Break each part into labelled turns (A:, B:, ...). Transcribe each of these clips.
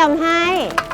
A: ำให้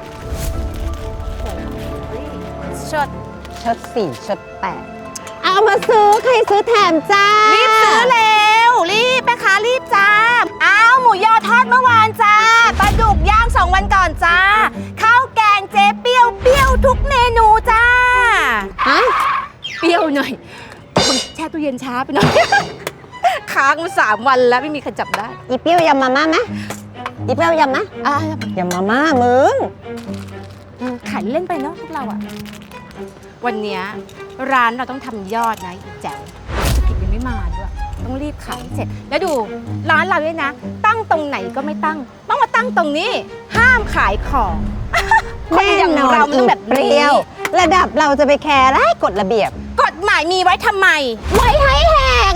B: ชด
A: 4ชด8เอามาซื้อใครซื้อแถมจ้า
B: รีบซื้อเร็วรีบแม่ค้ารีบจ้าเอาหมูยอทอดเมื่อวานจ้าปลาดุกย่าง2 วันก่อนจ้าข้าวแกงเจ๊เปรี้ยวทุกเมนูจ้า
A: ฮะ
B: เปรี้ยวหน่อยคนแช่ตู้เย็นช้าไปหน่อย ค้างมา3 วันแล้วไม่มีใครจับได้
A: อีเปรี้ยวยำมาม่าไหมอีเปรี้ยวยำนะยำมาม่ามึง
B: ขายเล่นไปเนาะพวกเราอะวันเนี้ยร้านเราต้องทำยอดนะอีแจ๋วธุรกิจยังไม่มาด้วยต้องรีบขายเสร็จแล้วดูร้านเราด้วยนะตั้งตรงไหนก็ไม่ตั้งต้องมาตั้งตรงนี้ห้ามขายของคนอย่างเรามันต้องแบบ
A: เปรี้ยวระดับเราจะไปแคร์ไรกฎระเบียบ
B: กฎหมายมีไว้ทำไม
A: ไว้ให้แหก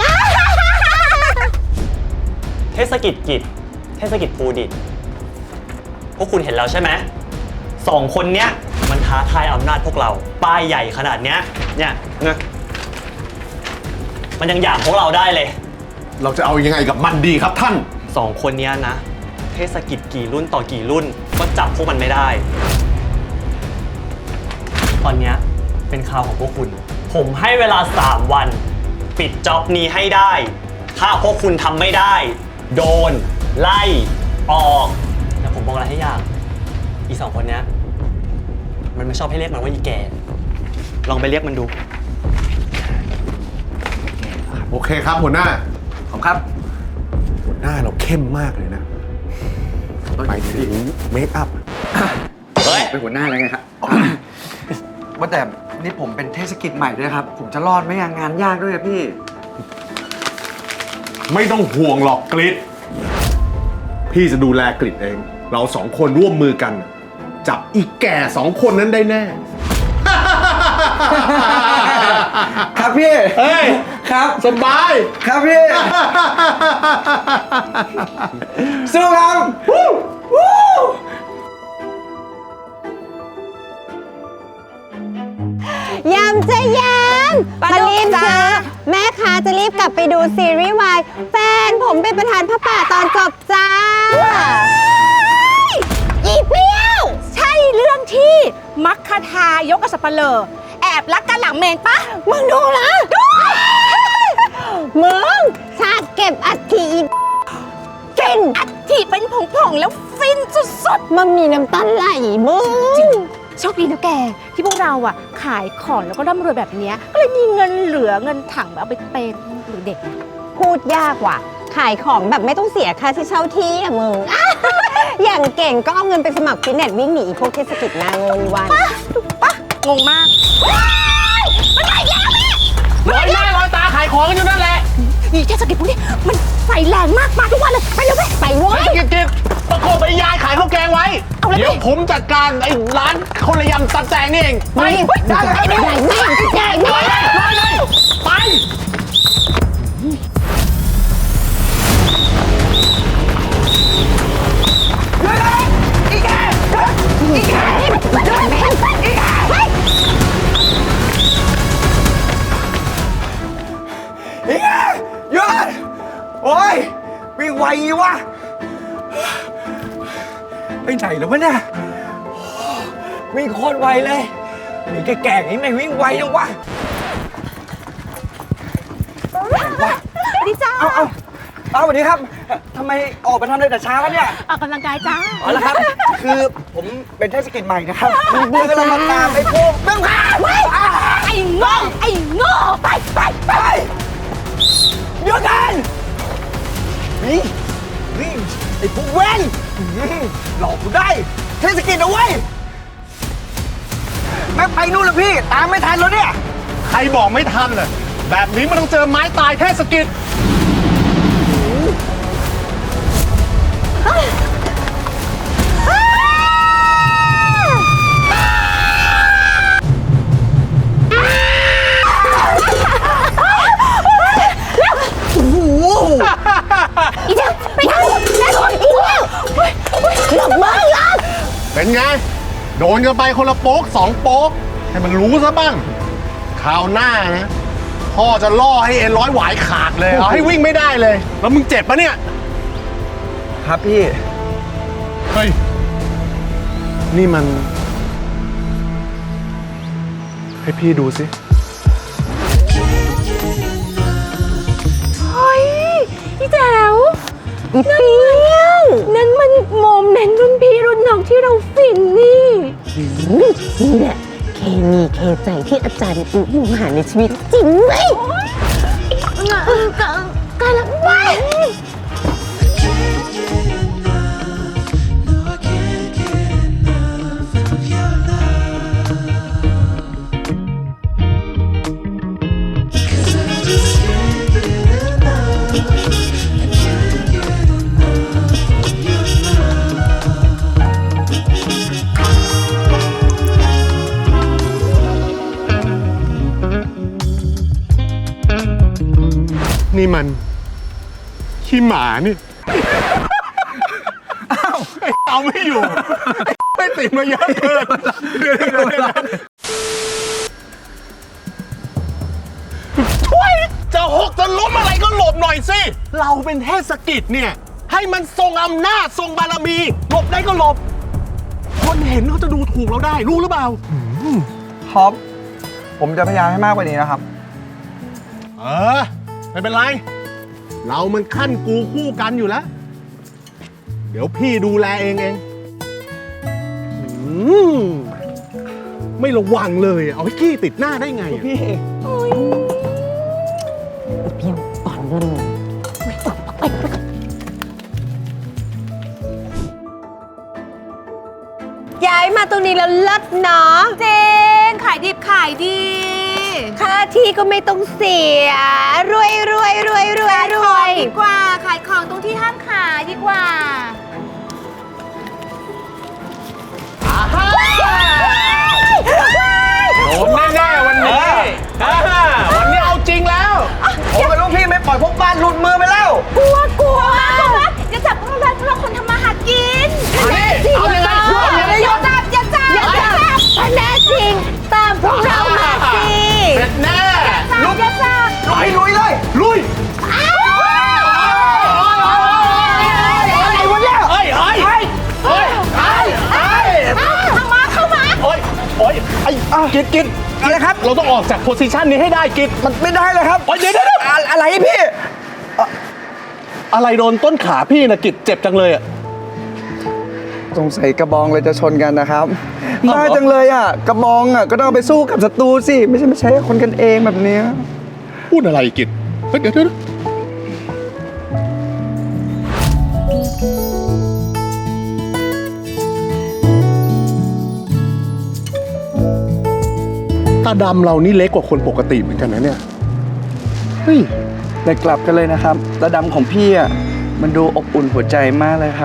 C: เทศกิจภูดิตพวกคุณเห็นแล้วใช่ไหม2 คนเนี้ยมันท้าทายอำนาจพวกเราป้ายใหญ่ขนาดเนี้ยเนี่ยมันยังหยามพวกเราได้เลย
D: เราจะเอายังไงกับมันดีครับท่าน
C: 2 คนเนี้ยนะเทศกิจกี่รุ่นต่อกี่รุ่นก็จับพวกมันไม่ได้ตอนเนี้ยเป็นข่าวของพวกคุณผมให้เวลา3 วันปิดจ็อบนี้ให้ได้ถ้าพวกคุณทำไม่ได้โดนไล่ออกแต่ผมบอกอะไรให้ยากอี2 คนเนี้ยมันไม่ชอบให้เรียกมันว่าอีแก่ลองไปเรียกมันดู
D: โอเคครับหัวหน้าขอบครับหัวหน้าเราเข้มมากเลยนะไปถึงเมคอัพ
C: เฮ้ย
E: เป็นหัวหน้าแล้วไงครับว่าแต่นี่ผมเป็นเทศกิจใหม่ด้วยครับผมจะรอดไหมงานยากด้วยพี่
D: ไม่ต้องห่วงหรอกกริดพี่จะดูแลกริดเองเรา2 คนร่วมมือกันจับอีแก่2 คนนั้นได้แน่
E: ครับพี่
D: เฮ้ย
E: ครับ
D: สบาย
E: ครับพี่สู้ครับ
A: ยำจะยำมารีบซื้อแม่ค้าจะรีบกลับไปดูซีรีส์วายแฟนผมเป็นประธานพระป่าตอนจบจ้าอีเปรี้ยว
B: ใช่เรื่องที่มัคคทายกกับสัปเหร่อแอบรักกันหลังเมนปะ
A: มึงดูนะมึงฉากเก็บอัฐิฟิน
B: อัฐิเป็นผงๆแล้วฟินสุด
A: ๆมันมีน้ำตาไหลมึง
B: จริงโชคดีนะแกที่พวกเราอ่ะขายของแล้วก็ร่ำรวยแบบนี้ก็เลยมีเงินเหลือเงินถังเอาไปเป็นหรือเด็ก
A: พูดยากว่ะขายของแบบไม่ต้องเสียค่าที่เช่าที่อะมึง อย่างเก่งก็เอาเงินไปสมัครฟิตเนสวิ่งหนีพวกเทศกิจนางงวัน
B: ปะงงมากมันมาแล้ว
D: แม่ลอยหน้าลอยตาขายของกันอยู่นั่นแหละ
B: นี่เทศกิจพวกนี้มันใส่แรงมากมาทุกวันเลยไปเร็วไปเว้ย
D: กินประกบไอ้ยายขายข้าวแกงไว้เดี๋ยวผมจัดการไอ้ร้านคนละยำตัดแจงนี่เอง
A: ไปได้
D: ไป
E: หยุดโอ้ยวิ่งไวงี้วะไปไหนแล้ววะเนี่ยวิ่งโคตรไวเลยมีแก่ๆนี้ไม่วิ่งไวจังวะ
B: ดีจ้า
E: เอาสวัสดีครับทำไมออกไปทำอะไรแต่เช้าเนี่ย
B: ออกกำลังกายจ้า
E: อ๋อแล้วครับคือผมเป็นเทศกิจใหม่นะครับคือเราตามไอ้พวกเรื่องหา
B: ไอ้โง่ไป
E: เดี๋ยวกันนี่ไอ้พวกเว้นหลอกกูได้เทศกิจเอาไว้แม่ไปนู่นแล้วพี่ตามไม่ทันแล้วเนี่ย
D: ใครบอกไม่ทันเลยแบบนี้มันต้องเจอไม้ตายเทศกิจ
B: อีเจ้าไปทางอีเจ้าหลบมือหลบ
D: เป็นไงโดนกันไปคนละโป๊ก2 โป๊กให้มันรู้ซะบ้างคราวหน้านะพ่อจะล่อให้เอ็นร้อยหวายขาดเลยเอาให้วิ่งไม่ได้เลยแล้วมึงเจ็บปะเนี่ย
E: ครับพี่
D: เฮ้ยนี่มัน ให้พี่ดูสิ
B: เฮ้ยพี่แจ๋ว
A: อีเปี้ยว
B: นั่นมันโมเมนต์รุ่นพี่รุ่นน้องที่เราฟินนี่
A: นี่แหละเคมีเคใจที่อาจารย์มองหาในชีวิตจริงไหม
B: กันละว้าย
D: นี่มันขี้หมานี่ เอาไม่อยู่ ไม่ติดมาเยอะเกินช่วยจะหกจะล้มอะไรก็หลบหน่อยสิ เราเป็นเทศกิจเนี่ย ให้มันทรงอำนาจทรงบารมี หลบได้ก็หลบ คนเห็นเขาจะดูถูกเราได้ รู้หรือเปล่า
E: ท็อป ผมจะพยายามให้มากกว่านี้นะครับ
D: ไม่เป็นไร เรามันขั้นกูคู่กันอยู่แล้ว เดี๋ยวพี่ดูแลเองไม่ระวังเลย เอาให้ขี้ติดหน้าได้ไงอะ
E: พี่
A: เปี้ยวปอนเงิน ย้ายมาตรงนี้แล้วเลิศเนาะ
B: เจนขายดิบขายดี
A: ค่าที่ก็ไม่ต้องเสีย รวยรวยรวยรวย
B: ขาย
A: ร
B: ขอ
A: ว
B: ง
A: ย
B: ดีกว่า ขายของตรงที่ห้ามขายดีกว่า
D: โดนแน่ๆวันนี้ วันนี้เอาจริงแล้ว
E: ผมกับลูกพี่ไม่ปล่อยพวกบ้านหลุดมือไปแล้ว
B: กลัวอย่าจับพวกเราคนทำมาหากิน
D: เอายังไง
B: อย่าจับ
A: ถ้าแน่จริง ตามพวกเรามาสิ
D: เสร็จแน่
B: ลูกอย่าจับ
E: ลูกพี่ลุยเลย
D: ลุย
E: อะไรวะเนี่ย
D: เฮ้ย
B: เข้ามา
D: โอ้ยไอ้กิด
E: อะไรครับ
D: เราต้องออกจากโพสิชันนี้ให้ได้กิด
E: มันไม่ได้เลยครับ
D: โอ้ยเดี๋ยว
E: อะไรพี่
D: อะไรโดนต้นขาพี่นะกิดเจ็บจังเลยอ่ะ
E: สงสัยกระบองเลยจะชนกันนะครับบ้าจังเลยอ่ะ กระบองอ่ะก็ต้องเอาไปสู้กับศัตรูสิ ไม่ใช่มาใช้กับคนกันเองแบบเนี้ย
D: พูดอะไรกิดเฮ้ยเดี๋ยวตาดำเรานี่เล็กกว่าคนปกติเหมือนกันนะเนี่ย เฮ้ย
E: แต่กลับกันเลยนะครับระดำของพี่อ่ะมันดูอบอุ่นหัวใจมากเลยครับ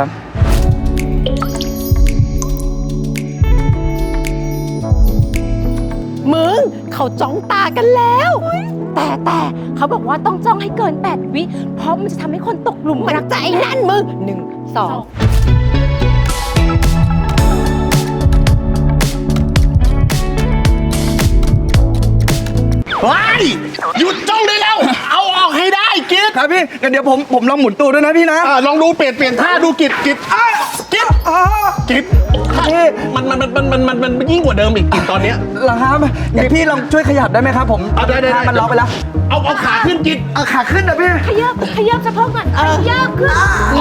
B: มึงเขาจ้องตากันแล้ว แต่เขาบอกว่าต้องจ้องให้เกิน 8 วิ เพราะมันจะทำให้คนตกหลุมรักใจนั่นมึง 1 2
D: เฮ้ย หยุดจ้องได้แล้ว เอาออกให้ได้กิด
E: ครับพี่งั้นเดี๋ยวผมลองหมุนตัวด้วยนะพี่นะ
D: ลองดูเปลี่ยนท่าดูกิดกิด
E: พี่
D: มันยิ่งกว่าเดิมอีกกิดตอนเนี้ย
E: เหรอครับงั้นพี่ลองช่วยขยับได้ไหมครับผม
D: ได้
E: ถ้ามันล็อกไปแล้ว
D: เอาขาขึ้นกิด
E: เอาขาขึ้นนะพี่
B: ขยับสะโพกก่อนขยับขึ้น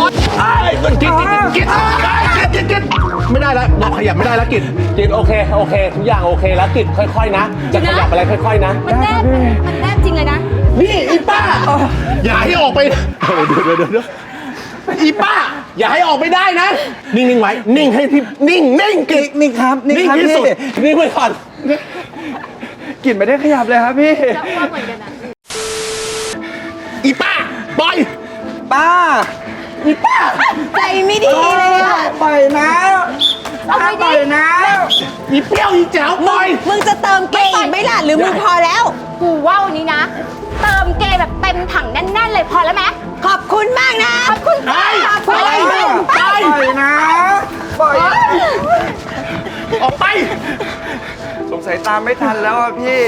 D: กิดไม่ได้แล้วเราขยับไม่ได้แล้วกิดโอเคทุกอย่างโอเคแล้วกิดค่อยๆนะ จะขยับอะไรค่อยๆนะ
B: มันแนบจริงเลยนะ
D: นี่อีป้า อย่าให้ออกไปเดี๋ยวอีป้า อย่าให้ออกไปได้นะ นิ่งไว้ นิ่งให้ที่นิ่งกิด
E: นิ่งครับ
D: นิ่ง
E: ครับ
D: ที่
E: พี่
D: สุดนิ่งไว้ก่อน
E: กลิ่นไม่ได้ขยับเลยครับพี่
B: จับว่าเหมือนกันนะ
D: อีป้าปล่อย
E: ป้า
D: อีป้า
A: ใจไม่ดีเลยอะ
E: ปล่อยนะป้าปล่อยนะ
D: อีเปรี้ยวอีแจ๋วปล่อย
A: มึงจะเติมเกย์อีกไหมล่ะหรือมึงพอแล้ว
B: กูว่าวันนี้นะ เติมเกย์แบบเต็มถังแน่นๆเลยพอแล้วไหม
A: ขอบคุณมากนะ
B: ขอบคุณค่ะ
D: ปล่อยไป
E: ปล่อยนะ ปล่อย
D: ออกไป
E: สงสัยตามไม่ทันแล้วอ่ะพี่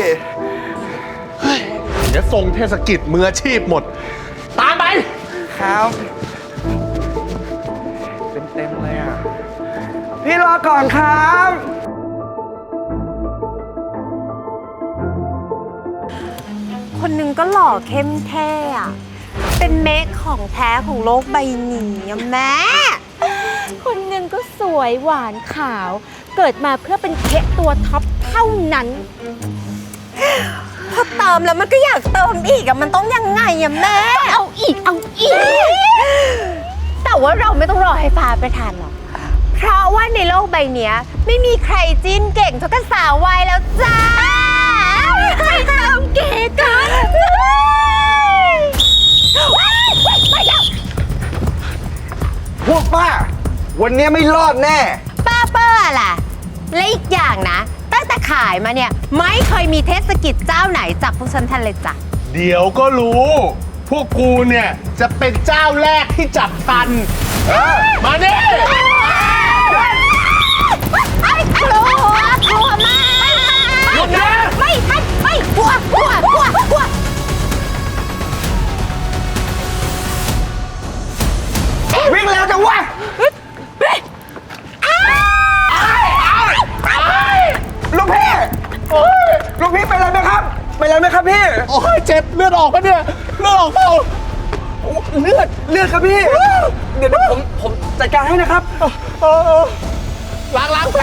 D: เดี๋ยวส่งเทศกิจมืออาชีพหมด ตามไป
E: ครับ เต็มเลยอ่ะ พพี่รอก่อนครับ
A: คนหนึ่งก็หล่อเข้มแท้อะเป็นเมคของแท้ของโลกใบนี้อะแม่
B: คนหนึ่งก็สวยหวานขาว เกิดมาเพื่อเป็นเทะตัวท็อปเท่านั้น
A: พอเติมแล้วมันก็อยากเติมอีกอะมันต้องยังไงอะแม่
B: เอาอีก เอาอีก
A: แต่ว่าเราไม่ต้องรอให้ฟ้าประทานหรอก เพราะว่าในโลกใบเนี้ยไม่มีใครจิ้นเก่งเท่ากับสาววัยแล้วจ้าไปเติมเก๋กันไปแล้ว
E: พวกป้า วันนี้ไม่รอดแน่
A: ป้าเปอร์ล่ะ และอีกอย่างนะ ตั้งแต่ขายมาเนี่ยไม่เคยมีเทศกิจเจ้าไหนจับพวกฉันทันเลยจ้ะ
D: เดี๋ยวก็รู้ พวกกูเนี่ยจะเป็นเจ้าแรกที่จับทัน มาเนี่ย
A: ไอ้กลัวกลัวมาก
D: หยุดนะ
A: ไม่กลัว
E: วิ่งแล้วจังวะลูกพี่ลูกพี่เป็นอะไรไหมครับ เป็นอะไรไหมครับพี่
D: โอ้ยเจ็บเลือดออกปะเนี่ยเลือดออกเปล่า
E: เลือดครับพี่ เดี๋ยวผมจัดการให้นะครับ
D: ล้างแผล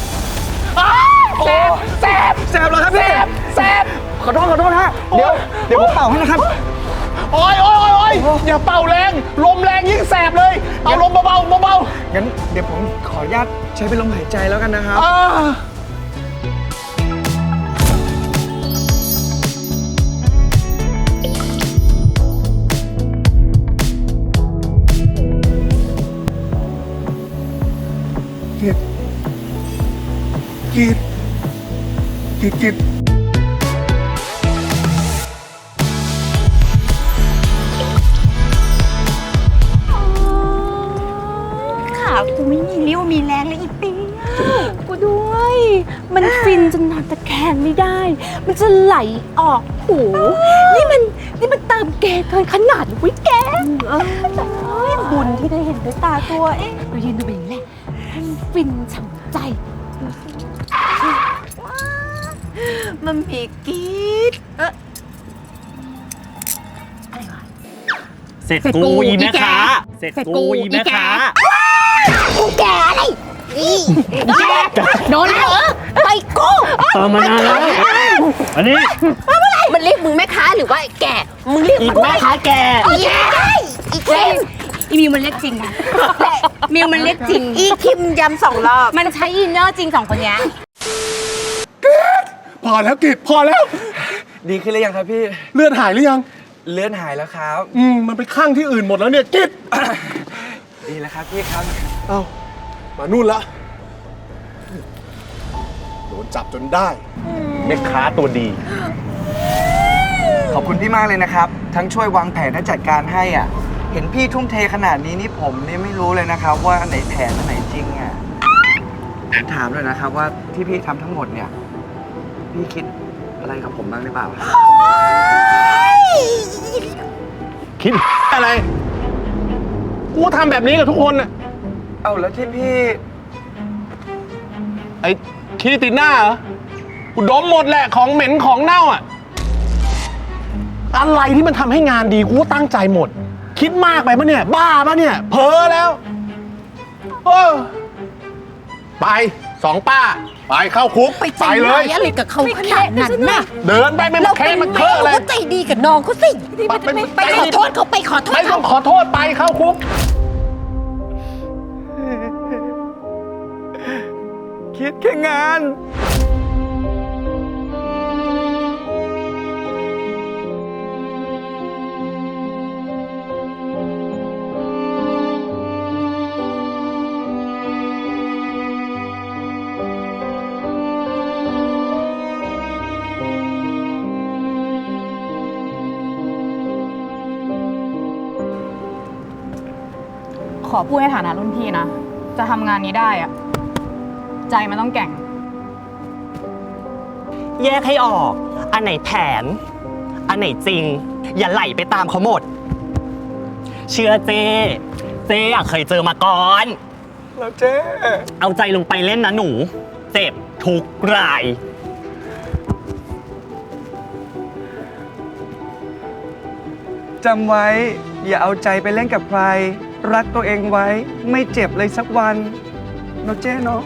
D: แสบ
E: แสบเหรอครับพี่
D: แสบ
E: ขอโทษฮะ เดี๋ยวผมเป่าให้นะครับ
D: โอ้ยอย่าเป่าแรงลมแรงยิ่งแสบเลย เอาลมเบาๆ
E: งั้นเดี๋ยวผมขออนุญาตใช้เป็นลมหายใจแล้วกันนะครับ
D: กิด
A: ขากูไม่มีเรี่ยวมีแรงเลยอีปี
B: กูด้วย มันฟินจนนอนตะแคงไม่ได้ มันจะไหลออกหู นี่มันเติมเกเกินขนาดวิแกบุญที่ได้เห็นด้วยตาตัวเองเรายืนดูแบบนี้แหละให้มันฟินฉ่ำใจ
A: มันมีกีด
C: เสร็จกูอีแม่ค้าเสร็จกูอีแม่ค้า
A: กูแกอะไรนี่โดนแล้วเหรอไปกู
C: เติมมานานแล้ว อันนี้
A: มันเรียกมึงแม่ค้าหรือว่าไอ้แกมึงเรียก
C: อี
A: มัน
C: แม่ค้าแก
A: อีแกอีเค็ม
B: อีมิวมันเรียกจริงนะมิวมันเรียกจริง
A: อีคิมย้ำ2 รอบ
B: มันใช้อินเนอร์จริงสองคนเนี้ย
D: พอแล้วกิดพอแล้ว
E: ดีขึ้นหรือยังครับพี่
D: เลือดหายหรือยัง
E: เลือดหายแล้วครับ
D: มันไปข้างที่อื่นหมดแล้วเนี่ยกิด
E: ดีแล้วครับพี่ครับ
D: เอ้ามานู่นละโดนจับจนได้แม่ค้าตัวดี
E: ขอบคุณพี่มากเลยนะครับ ทั้งช่วยวางแผนและจัดการให้อ่ะ เห็นพี่ทุ่มเทขนาดนี้นี่ผมนี่ไม่รู้เลยนะครับ ว่าอันไหนแผนอันไหนจริงอ่ะถามเลยนะครับว่าที่พี่ทำทั้งหมดเนี่ย พี่คิดอะไรกับผมบ้างหรือเปล่า
D: คิดอะไร กูทำแบบนี้กับทุกคนน่ะ
E: เอาแล้วที่พี่
D: ไอ้ขี้ติดหน้าเหรอ กูดมหมดแหละของเหม็นของเน่าอ่ะ อะไรที่มันทำให้งานดีกูก็ตั้งใจหมด คิดมากไปปะเนี่ย บ้าปะเนี่ย เพ้อแล้วไป2 ป้า ไปเข้าคุก ไปเลย
A: อะไรกับเขาขนาดนั้นน่ะ
D: เดินไปไม่มาแค่มาเคอะเลย
A: ก็ใจดีกับน้องเขาสิไปขอโทษเขาไปขอโทษ
D: ไม่ต้องขอโทษไปเข้าคุก
E: คิดแค่งาน
F: ขอพูดในฐานะรุ่นพี่นะ จะทำงานนี้ได้อะใจมันต้องแกร่ง
C: แยกให้ออก อันไหนแผน อันไหนจริง อย่าไหลไปตามเขาหมด เชื่อเจอะเคยเจอมาก่อน
E: แล้วเจ๊
C: เอาใจลงไปเล่นนะหนู เจ็บทุกราย
E: จำไว้ อย่าเอาใจไปเล่นกับใคร รักตัวเองไว้ ไม่เจ็บเลยสักวันเนาะเจ๊เนาะ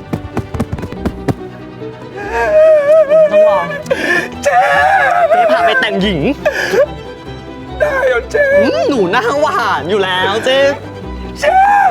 C: ต้องลองเจ๊พาไปแต่งหญิง
E: ได้เหรอเจ๊
C: หนูหน้าหวานอยู่แล้วเจ๊
E: เจ๊